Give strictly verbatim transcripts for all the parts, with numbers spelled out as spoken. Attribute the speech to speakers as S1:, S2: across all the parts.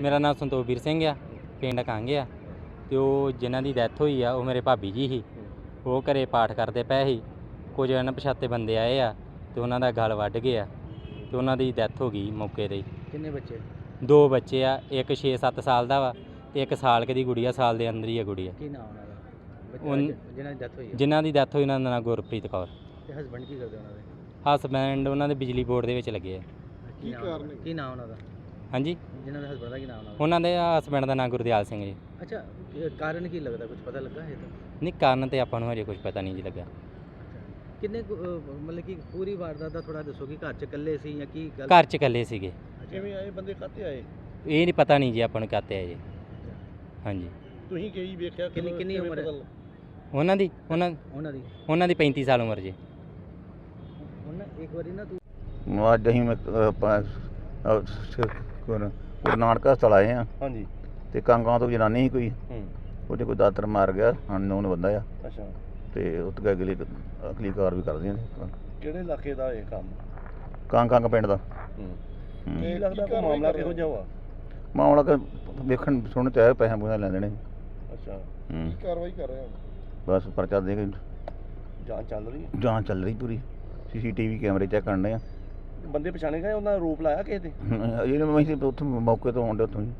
S1: ਮੇਰਾ ਨਾਮ ਸੰਤੋਖਵੀਰ ਸਿੰਘ ਆ, ਪਿੰਡ ਕਾਂਗੇ ਆ। ਤੇ ਉਹ ਜਿਨ੍ਹਾਂ ਦੀ ਡੈਥ ਹੋਈ ਆ ਉਹ ਮੇਰੇ ਭਾਬੀ ਜੀ ਸੀ। ਉਹ ਘਰੇ ਪਾਠ ਕਰਦੇ ਪਏ ਸੀ। ਕੁਝ ਅਣਪਛਾਤੇ ਬੰਦੇ ਆਏ ਆ ਤੇ ਉਹਨਾਂ ਦਾ ਗਲ ਵੱਢ ਗਿਆ ਤੇ ਉਹਨਾਂ ਦੀ ਡੈਥ ਹੋ ਗਈ ਮੌਕੇ 'ਤੇ ਹੀ।
S2: ਕਿੰਨੇ ਬੱਚੇ?
S1: ਦੋ ਬੱਚੇ ਆ, ਇੱਕ ਛੇ ਸੱਤ ਸਾਲ ਦਾ ਵਾ ਤੇ ਇੱਕ ਸਾਲ ਕੁ ਦੀ ਗੁੜੀਆ, ਸਾਲ ਦੇ ਅੰਦਰ ਹੀ ਆ ਗੁੜੀਆ।
S2: ਕੀ ਨਾਮ ਉਹਨਾਂ ਦਾ?
S1: ਉਨ-
S2: ਬੱਚਾ ਜਿਹਨਾਂ ਦੀ ਡੈਥ ਹੋਈ ਹੈ।
S1: ਜਿਨ੍ਹਾਂ ਦੀ ਡੈਥ ਹੋਈ ਉਹਨਾਂ ਦਾ ਨਾਂ ਗੁਰਪ੍ਰੀਤ ਕੌਰ।
S2: ਤੇ ਹਸਬੰਡ ਕੀ ਕਰਦੇ ਉਹਨਾਂ ਦੇ?
S1: ਹਸਬੈਂਡ ਉਹਨਾਂ ਦੇ ਬਿਜਲੀ ਬੋਰਡ ਦੇ ਵਿੱਚ ਲੱਗੇ ਆ।
S2: ਕੀ ਕਾਰਨ? ਕੀ ਨਾਮ ਉਹਨਾਂ ਦਾ?
S1: ਹਾਂਜੀ,
S2: ਜਿਹਨਾਂ ਦੇ ਹਸਬੰਡ ਦਾ ਕੀ ਨਾਮ ਉਹਨਾਂ ਦਾ?
S1: ਉਹਨਾਂ ਦੇ ਹਸਬੈਂਡ ਦਾ ਨਾਂ ਗੁਰਦਿਆਲ ਸਿੰਘ ਜੀ।
S2: ਅੱਛਾ, ਇਹ ਕਾਰਨ ਕੀ ਲੱਗਦਾ, ਕੁਝ ਪਤਾ ਲੱਗਾ ਹੈ ਤਾਂ?
S1: ਨਹੀਂ, ਕਾਰਨ ਤੇ ਆਪਾਂ ਨੂੰ ਹਜੇ ਕੁਝ ਪਤਾ ਨਹੀਂ ਜੀ ਲੱਗਾ।
S2: ਕਿੰਨੇ ਕੁ, ਅਹ, ਮਤਲਬ ਕਿ ਪੂਰੀ ਵਾਰਦਾਤ ਦਾ ਥੋੜਾ ਦੱਸੋ ਕਿ ਘਰ ਚ ਇਕੱਲੇ ਸੀ ਜਾਂ ਕੀ ਗੱਲ?
S1: ਘਰ 'ਚ ਇਕੱਲੇ ਸੀਗੇ।
S2: ਕਿਵੇਂ ਆਏ ਬੰਦੇ, ਕਾਹਤੇ ਆਏ?
S1: ਇਹ ਨਹੀਂ ਪਤਾ ਨਹੀਂ ਜੀ ਆਪਾਂ ਨੂੰ ਕਾਤੇ ਆ ਜੀ। ਹਾਂਜੀ,
S3: ਤੁਸੀਂ ਕਈ ਵੇਖਿਆ
S2: ਕਿੰਨੀ ਕਿੰਨੀ ਉਮਰ ਹੈ
S1: ਉਹਨਾਂ ਦੀ ਉਹਨਾਂ
S2: ਉਹਨਾਂ ਦੀ?
S1: ਉਹਨਾਂ ਦੀ ਪੈਂਤੀ ਸਾਲ ਉਮਰ ਜੀ।
S2: ਉਹਨਾਂ ਇੱਕ ਵਾਰੀ ਨਾ ਤੂੰ
S4: ਅੱਜ ਅਸੀਂ ਮੈਂ ਆਪਾਂ ਗੁਰੂ ਨਾਨਕ ਹਸਪਤਾਲ ਆਏ ਆ।
S3: ਹਾਂਜੀ।
S4: ਤੇ ਕਾਂਗਾਂ ਤੋਂ ਜਨਾਨੀ ਸੀ ਕੋਈ,
S3: ਹੂੰ।
S4: ਉਹਦੇ ਕੋਈ ਦਾਤਰ ਮਾਰ ਗਿਆ, ਅਨਨੋਨ ਬੰਦਾ ਆ।
S3: ਅੱਛਾ।
S4: ਤੇ ਉੱਥੇ ਅਗਲੀ ਅਗਲੀ ਕਾਰ ਵੀ ਕਰਦੀਆਂ ਨੇ।
S3: ਕਿਹੜੇ ਇਲਾਕੇ ਦਾ ਇਹ ਕੰਮ?
S4: ਕਾਂਗ ਕਾਂਗ ਪਿੰਡ ਦਾ।
S3: ਹੂੰ।
S4: ਹੂੰ।
S3: ਕੀ ਲੱਗਦਾ ਕੋਈ ਮਾਮਲਾ ਕਿਹੋ ਜਿਹਾ ਵਾ?
S4: ਮਾਮਲਾ ਕਿ ਵੇਖਣ ਸੁਣਨ ਤੇ ਆਇਆ, ਪੈਸੇ ਪੂਸੇ ਲੈ ਦੇਣੇ।
S3: ਅੱਛਾ।
S4: ਹੂੰ।
S3: ਕੀ ਕਾਰਵਾਈ ਕਰ ਰਹੇ ਹੋ?
S4: ਬਸ ਪਰਚਾ ਦੇ ਕੇ
S3: ਜਾਂਚ ਚੱਲ ਰਹੀ ਹੈ?
S4: ਜਾਂਚ ਚੱਲ ਰਹੀ ਪੂਰੀ। ਸੀਸੀਟੀਵੀ ਕੈਮਰੇ ਚੈੱਕ ਕਰਨੇ ਆ।
S3: ਬੰਦੇ ਪਛਾਣੇ ਗਏ, ਉਹਨਾਂ ਦਾ ਰੂਪ ਲਾਇਆ ਕਿਸੇ ਦੇ?
S4: ਇਹ ਮੈਂ ਇੱਥੇ ਉੱਥੋਂ ਮੌਕੇ ਤੋਂ ਆਉਂਦੇ ਉੱਥੋਂ ਹੀ।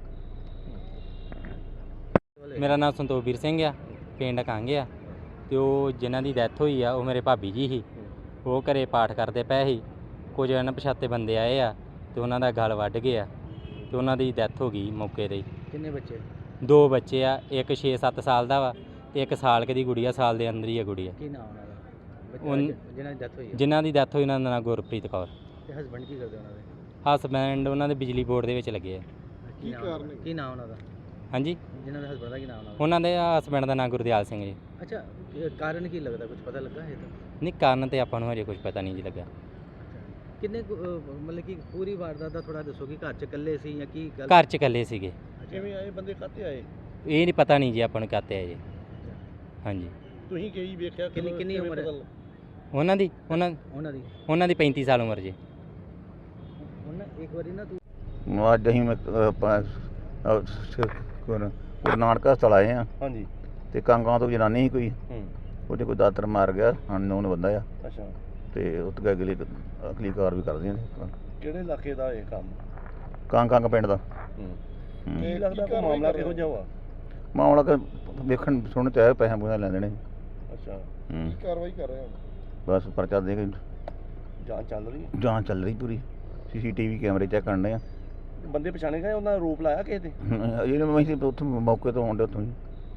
S1: ਮੇਰਾ ਨਾਮ ਸੰਤੋਖਵੀਰ ਸਿੰਘ ਆ, ਪਿੰਡ ਕਾਂਗੇ ਆ। ਤੇ ਉਹ ਜਿਨ੍ਹਾਂ ਦੀ ਡੈਥ ਹੋਈ ਆ ਉਹ ਮੇਰੇ ਭਾਬੀ ਜੀ ਸੀ। ਉਹ ਘਰੇ ਪਾਠ ਕਰਦੇ ਪਏ ਸੀ। ਕੁਝ ਅਣਪਛਾਤੇ ਬੰਦੇ ਆਏ ਆ ਤੇ ਉਹਨਾਂ ਦਾ ਗਲ ਵੱਢ ਗਿਆ ਤੇ ਉਹਨਾਂ ਦੀ ਡੈਥ ਹੋ ਗਈ ਮੌਕੇ 'ਤੇ ਹੀ।
S2: ਕਿੰਨੇ ਬੱਚੇ?
S1: ਦੋ ਬੱਚੇ ਆ, ਇੱਕ ਛੇ ਸੱਤ ਸਾਲ ਦਾ ਵਾ ਤੇ ਇੱਕ ਸਾਲ ਕੁ ਦੀ ਗੁੜੀਆ, ਸਾਲ ਦੇ ਅੰਦਰ ਹੀ ਆ ਗੁੜੀਆ।
S2: ਕੀ ਨਾਮ ਉਹਨਾਂ ਦਾ? ਬੱਚਾ
S1: ਉਨ-
S2: ਜਿਹਨਾਂ ਦੀ ਡੈਥ ਹੋਈ ਹੈ।
S1: ਜਿਨ੍ਹਾਂ ਦੀ ਡੈਥ ਹੋਈ ਉਹਨਾਂ ਦਾ ਨਾਂ ਗੁਰਪ੍ਰੀਤ ਕੌਰ।
S2: ਤੇ ਹਸਬੰਡ ਕੀ ਕਰਦੇ ਉਹਨਾਂ ਦੇ?
S1: ਹਸਬੈਂਡ ਉਹਨਾਂ ਦੇ ਬਿਜਲੀ ਬੋਰਡ ਦੇ ਵਿੱਚ ਲੱਗੇ ਆ।
S2: ਕੀ ਕਾਰਨ? ਕੀ ਨਾਮ ਉਹਨਾਂ ਦਾ?
S1: ਹਾਂਜੀ,
S2: ਜਿਹਨਾਂ ਦੇ ਹਸਬੰਡ ਦਾ ਕੀ ਨਾਮ ਉਹਨਾਂ ਦਾ?
S1: ਉਹਨਾਂ ਦੇ ਹਸਬੈਂਡ ਦਾ ਨਾਂ ਗੁਰਦਿਆਲ ਸਿੰਘ ਜੀ।
S2: ਅੱਛਾ, ਇਹ ਕਾਰਨ ਕੀ ਲੱਗਦਾ, ਕੁਝ ਪਤਾ ਲੱਗਾ ਹੈ ਤਾਂ?
S1: ਨਹੀਂ, ਕਾਰਨ ਤੇ ਆਪਾਂ ਨੂੰ ਹਜੇ ਕੁਝ ਪਤਾ ਨਹੀਂ ਜੀ ਲੱਗਾ।
S2: ਕਿੰਨੇ ਕੁ, ਅਹ, ਮਤਲਬ ਕਿ ਪੂਰੀ ਵਾਰਦਾਤ ਦਾ ਥੋੜਾ ਦੱਸੋ ਕਿ ਘਰ ਚ ਇਕੱਲੇ ਸੀ ਜਾਂ ਕੀ ਗੱਲ?
S1: ਘਰ 'ਚ ਇਕੱਲੇ ਸੀਗੇ।
S3: ਕਿਵੇਂ ਆਏ ਬੰਦੇ, ਕਾਹਤੇ ਆਏ?
S1: ਇਹ ਨਹੀਂ ਪਤਾ ਨਹੀਂ ਜੀ ਆਪਾਂ ਨੂੰ ਕਾਤੇ ਆ ਜੀ। ਹਾਂਜੀ,
S3: ਤੁਸੀਂ ਕਈ ਵੇਖਿਆ
S2: ਕਿੰਨੀ ਕਿੰਨੀ ਉਮਰ ਹੈ
S1: ਉਹਨਾਂ ਦੀ ਉਹਨਾਂ
S2: ਉਹਨਾਂ ਦੀ?
S1: ਉਹਨਾਂ ਦੀ ਪੈਂਤੀ ਸਾਲ ਉਮਰ ਜੀ।
S2: ਉਹਨਾਂ ਇੱਕ ਵਾਰੀ ਨਾ ਤੂੰ
S4: ਅੱਜ ਅਸੀਂ ਮੈਂ ਆਪਾਂ ਗੁਰੂ ਨਾਨਕ ਹਸਪਤਾਲ ਆਏ ਆ।
S3: ਹਾਂਜੀ।
S4: ਤੇ ਕਾਂਗਾਂ ਤੋਂ ਜਨਾਨੀ ਸੀ ਕੋਈ,
S3: ਹੂੰ।
S4: ਉਹਦੇ ਕੋਈ ਦਾਤਰ ਮਾਰ ਗਿਆ, ਅਨਨੋਨ ਬੰਦਾ ਆ।
S3: ਅੱਛਾ।
S4: ਤੇ ਉੱਥੇ ਅਗਲੀ ਅਗਲੀ ਕਾਰ ਵੀ ਕਰਦੀਆਂ ਨੇ।
S3: ਕਿਹੜੇ ਇਲਾਕੇ ਦਾ ਇਹ ਕੰਮ?
S4: ਕਾਂਗ ਕਾਂਗ ਪਿੰਡ ਦਾ।
S3: ਹੂੰ।
S4: ਹੂੰ।
S3: ਕੀ ਲੱਗਦਾ ਕੋਈ ਮਾਮਲਾ ਕਿਹੋ ਜਿਹਾ ਵਾ?
S4: ਮਾਮਲਾ ਕਿ ਵੇਖਣ ਸੁਣਨ ਤੇ ਆਇਆ, ਪੈਸੇ ਪੂਸੇ ਲੈ ਦੇਣੇ।
S3: ਅੱਛਾ।
S4: ਹੂੰ।
S3: ਕੀ ਕਾਰਵਾਈ ਕਰ ਰਹੇ ਹੋ?
S4: ਬਸ ਪਰਚਾ ਦੇ ਕੇ
S3: ਜਾਂਚ ਚੱਲ ਰਹੀ ਹੈ?
S4: ਜਾਂਚ ਚੱਲ ਰਹੀ ਪੂਰੀ। ਸੀਸੀਟੀਵੀ ਕੈਮਰੇ ਚੈੱਕ ਕਰਨੇ ਆ।
S3: ਬੰਦੇ ਪਛਾਣੇ ਗਏ, ਉਹਨਾਂ ਦਾ ਰੂਪ ਲਾਇਆ ਕਿਸੇ ਦੇ?
S4: ਇਹ ਮੈਂ ਇੱਥੇ ਉੱਥੋਂ ਮੌਕੇ ਤੋਂ ਆਉਂਦੇ ਉੱਥੋਂ ਹੀ।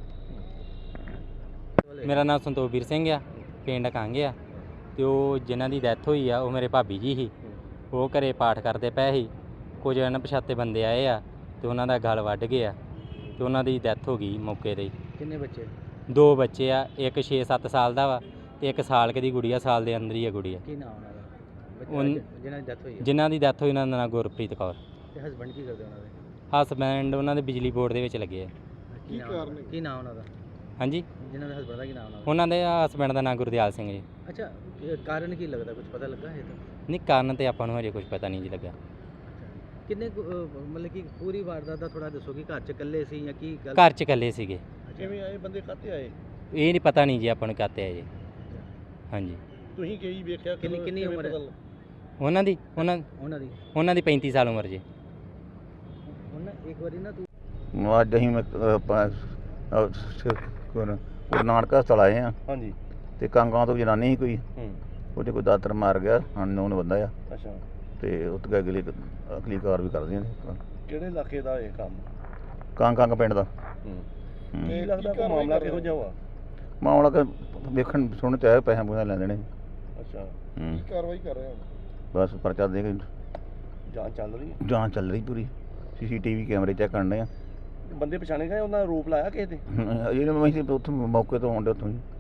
S1: ਮੇਰਾ ਨਾਮ ਸੰਤੋਖਵੀਰ ਸਿੰਘ ਆ, ਪਿੰਡ ਕਾਂਗੇ ਆ। ਤੇ ਉਹ ਜਿਨ੍ਹਾਂ ਦੀ ਡੈਥ ਹੋਈ ਆ ਉਹ ਮੇਰੇ ਭਾਬੀ ਜੀ ਸੀ। ਉਹ ਘਰੇ ਪਾਠ ਕਰਦੇ ਪਏ ਸੀ। ਕੁਝ ਅਣਪਛਾਤੇ ਬੰਦੇ ਆਏ ਆ ਤੇ ਉਹਨਾਂ ਦਾ ਗਲ ਵੱਢ ਗਿਆ ਤੇ ਉਹਨਾਂ ਦੀ ਡੈਥ ਹੋ ਗਈ ਮੌਕੇ 'ਤੇ ਹੀ।
S2: ਕਿੰਨੇ ਬੱਚੇ?
S1: ਦੋ ਬੱਚੇ ਆ, ਇੱਕ ਛੇ ਸੱਤ ਸਾਲ ਦਾ ਵਾ ਤੇ ਇੱਕ ਸਾਲ ਕੁ ਦੀ ਗੁੜੀਆ, ਸਾਲ ਦੇ ਅੰਦਰ ਹੀ ਆ ਗੁੜੀਆ।
S2: ਕੀ ਨਾਮ ਉਹਨਾਂ ਦਾ? ਬੱਚਾ
S1: ਉਨ-
S2: ਜਿਹਨਾਂ ਦੀ ਡੈਥ ਹੋਈ ਹੈ।
S1: ਜਿਨ੍ਹਾਂ ਦੀ ਡੈਥ ਹੋਈ ਉਹਨਾਂ ਦਾ ਨਾਂ ਗੁਰਪ੍ਰੀਤ ਕੌਰ।
S2: ਤੇ ਹਸਬੰਡ ਕੀ ਕਰਦੇ ਉਹਨਾਂ ਦੇ?
S1: ਹਸਬੈਂਡ ਉਹਨਾਂ ਦੇ ਬਿਜਲੀ ਬੋਰਡ ਦੇ ਵਿੱਚ ਲੱਗੇ ਆ।
S2: ਕੀ ਕਾਰਨ? ਕੀ ਨਾਮ ਉਹਨਾਂ ਦਾ?
S1: ਹਾਂਜੀ,
S2: ਜਿਹਨਾਂ ਦੇ ਹਸਬੰਡ ਦਾ ਕੀ ਨਾਮ ਉਹਨਾਂ ਦਾ?
S1: ਉਹਨਾਂ ਦੇ ਹਸਬੈਂਡ ਦਾ ਨਾਂ ਗੁਰਦਿਆਲ ਸਿੰਘ ਜੀ।
S2: ਅੱਛਾ, ਇਹ ਕਾਰਨ ਕੀ ਲੱਗਦਾ, ਕੁਝ ਪਤਾ ਲੱਗਾ ਹੈ ਤਾਂ?
S1: ਨਹੀਂ, ਕਾਰਨ ਤੇ ਆਪਾਂ ਨੂੰ ਹਜੇ ਕੁਝ ਪਤਾ ਨਹੀਂ ਜੀ ਲੱਗਾ।
S2: ਕਿੰਨੇ ਕੁ, ਅਹ, ਮਤਲਬ ਕਿ ਪੂਰੀ ਵਾਰਦਾਤ ਦਾ ਥੋੜਾ ਦੱਸੋ ਕਿ ਘਰ ਚ ਇਕੱਲੇ ਸੀ ਜਾਂ ਕੀ ਗੱਲ?
S1: ਘਰ 'ਚ ਇਕੱਲੇ ਸੀਗੇ।
S3: ਕਿਵੇਂ ਆਏ ਬੰਦੇ, ਕਾਹਤੇ ਆਏ?
S1: ਇਹ ਨਹੀਂ ਪਤਾ ਨਹੀਂ ਜੀ ਆਪਾਂ ਨੂੰ ਕਾਤੇ ਆ ਜੀ। ਹਾਂਜੀ,
S3: ਤੁਸੀਂ ਕਈ ਵੇਖਿਆ
S2: ਕਿੰਨੀ ਕਿੰਨੀ ਉਮਰ ਹੈ
S1: ਉਹਨਾਂ ਦੀ ਉਹਨਾਂ
S2: ਉਹਨਾਂ ਦੀ?
S1: ਉਹਨਾਂ ਦੀ ਪੈਂਤੀ ਸਾਲ ਉਮਰ ਜੀ।
S2: ਉਹਨਾਂ ਇੱਕ ਵਾਰੀ ਨਾ ਤੂੰ
S4: ਅੱਜ ਅਸੀਂ ਮੈਂ ਆਪਾਂ ਗੁਰੂ ਨਾਨਕ ਹਸਪਤਾਲ ਆਏ ਆ।
S3: ਹਾਂਜੀ।
S4: ਤੇ ਕਾਂਗਾਂ ਤੋਂ ਜਨਾਨੀ ਸੀ ਕੋਈ,
S3: ਹੂੰ।
S4: ਉਹਦੇ ਕੋਈ ਦਾਤਰ ਮਾਰ ਗਿਆ, ਅਨਨੋਨ ਬੰਦਾ ਆ।
S3: ਅੱਛਾ।
S4: ਤੇ ਉੱਥੇ ਅਗਲੀ ਅਗਲੀ ਕਾਰ ਵੀ ਕਰਦੀਆਂ ਨੇ।
S3: ਕਿਹੜੇ ਇਲਾਕੇ ਦਾ ਇਹ ਕੰਮ?
S4: ਕਾਂਗ ਕਾਂਗ ਪਿੰਡ ਦਾ।
S3: ਹੂੰ।
S4: ਹੂੰ।
S3: ਕੀ ਲੱਗਦਾ ਕੋਈ ਮਾਮਲਾ ਕਿਹੋ ਜਿਹਾ ਵਾ?
S4: ਮਾਮਲਾ ਕਿ ਵੇਖਣ ਸੁਣਨ ਤੇ ਆਇਆ, ਪੈਸੇ ਪੂਸੇ ਲੈ ਦੇਣੇ।
S3: ਅੱਛਾ।
S4: ਹੂੰ।
S3: ਕੀ ਕਾਰਵਾਈ ਕਰ ਰਹੇ ਹੋ?
S4: ਬਸ ਪਰਚਾ ਦੇ ਕੇ
S3: ਜਾਂਚ ਚੱਲ ਰਹੀ ਹੈ?
S4: ਜਾਂਚ ਚੱਲ ਰਹੀ ਪੂਰੀ। ਸੀਸੀਟੀਵੀ ਕੈਮਰੇ ਚੈੱਕ ਕਰਨੇ ਆ।
S3: ਬੰਦੇ ਪਛਾਣੇ ਗਏ, ਉਹਨਾਂ ਦਾ ਰੂਪ ਲਾਇਆ ਕਿਸੇ ਦੇ?
S4: ਇਹ ਮੈਂ ਇੱਥੇ ਉੱਥੋਂ ਮੌਕੇ ਤੋਂ ਆਉਂਦੇ ਉੱਥੋਂ ਹੀ।